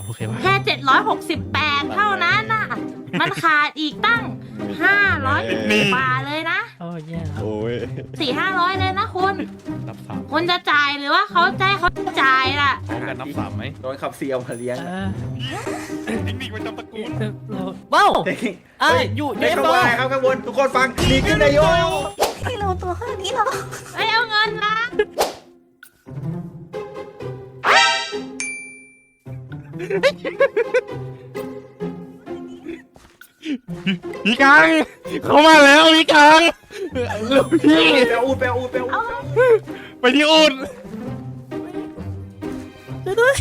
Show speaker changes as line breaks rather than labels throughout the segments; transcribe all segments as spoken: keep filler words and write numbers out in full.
โอเคปะ
แค่เจ็ดร้อยหกสิบแปดเท่านั้นน่ะมันขาดอีกตั้งห้าร้อยกว่าเลยนะ
โอ้แย่แล้ว
โอ้ย
สี่ห้าร้อยเลยนะคุณ
นับสาม
คุณจะจ่ายหรือว่าเขาใจายเขาจ่ายล่ะ
พร้อมกันนับสามไหม
โดนขับเซียวมาเลี้ยง
เออ
เทคนิคประจำตระกูล
เราว้าวอ่ะ
เฮ้ย
อยู่
ได้
เอฟ
ข้าง
โด
บนครับข้างบนทุกคนฟังดีขึ้นนายโย
ให้เราตัวขนาดนี้เหรอ
ไอ้เอาเงินละ
พี่กังเข้ามาแล้วพี่กังเร็วพี่
แปลอูดแปลอูดแปลอูด
ไปที่อูด
ช่วยด้วย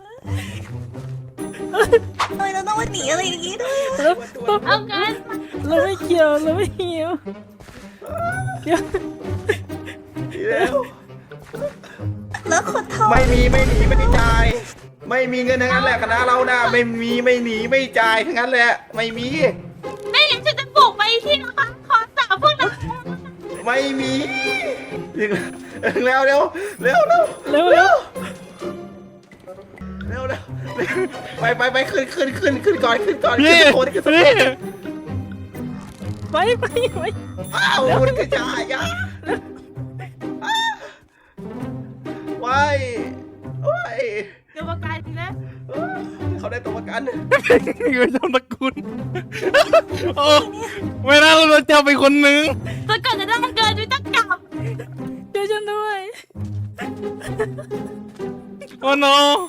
ทำไมเราต้องมาหนีอะไรอย่างนี้ด้วยอะ
เอาเงินมา
เราไม่เกี่ยวเราไม่เกี่ยวเดี๋ยว
ดีแล้ว
แล้วคนเท่า
ไม่มีไม่หนีไม่จ่ายไม่มีเงินทั้งนั้นแหละคณะเรานะไม่มีไม่หนีไม่จ่ายทั้งนั้นแหละไม่มี
ไม่งั้นฉันจะบุกไปที่ร้านคอสาวพวกนั้น
ไม่มีเร็วเร็วเร็วเร็ว
เร็วเร็ว
เร็วเร็วไปไปไปขึ้นขึ้นขึ้นขึ้นก่อนขึ้นก่อนขึ้
พี่
นสะโคนขึ้นสะโค
พี่
น
ไปไปไป
อ้าวคุณกระจายอ่ะว้ายว้าย
เดี๋ยวประกันทีนะ
เขาได้ตัวประกัน
เทคนิคประจำตระกูลโอ้ไม่น่าเราจะไปคนหนึ่ง
แต่ก่อนจะได้เงินด้วยต้องกลับ
ช่วยฉันด้วย
โอ้โน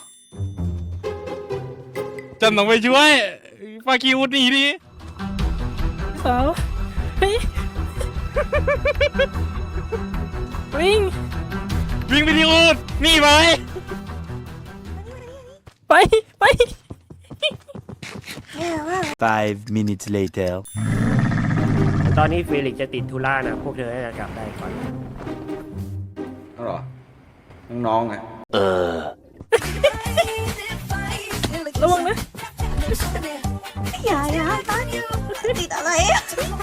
จำต้องไปช่วยฟาคิวหนีดิ
สาวเฮ้ยวิ่ง
วิ่งไปที่อูดนี่ไหม
ไปไป
แย่มาก
Five minutes later.
ตอนนี้เฟลิกซ์จะติดธุระนะ พวกเธอน่าจะกลับได้ก่อน
เอาเหรอน้องๆอ่ะ
ระวังนะ
อย่าอย่าตอนติดอะไรอะ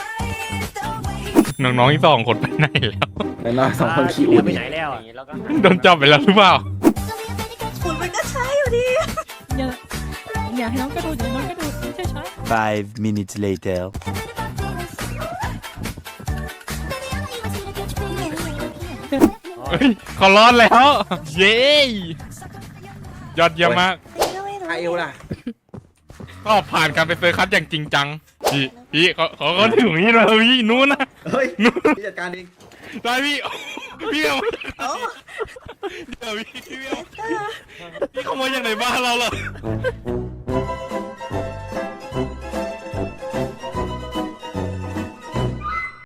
น้องๆอีกสองคนไปไหนแล้ว
แล้วน้องสองคนขี่
เห
อู
ลื
ด
ไปไหนแล้วอะ
โดนจับไปแล้วหรือเปล่า
ฝุ่นมันก็ใช้อยู่ดี
อย่าอย่าให้น้องกระโดดอย่าให้น้องกระโดดใช่ใช่
Five minutes later.
เฮ้ยเขารอดแล้ว เย้ยอดเยี่ยมมาก
ก็ไม่รู้
ไอเอวล่ะ
ก็ผ่านการไปเซอร์คัสอย่างจริงจัง พี่พี่เขาเขาก็ถึงนี่แล้วพี่นู้นนะ
เฮ้ยพี่จัดการเอง
ได้พี่พี่เอา
โอ้
เดี๋ยวพี่พี่เอาพี่ขโมยจากไหนบ้านเราเหรอ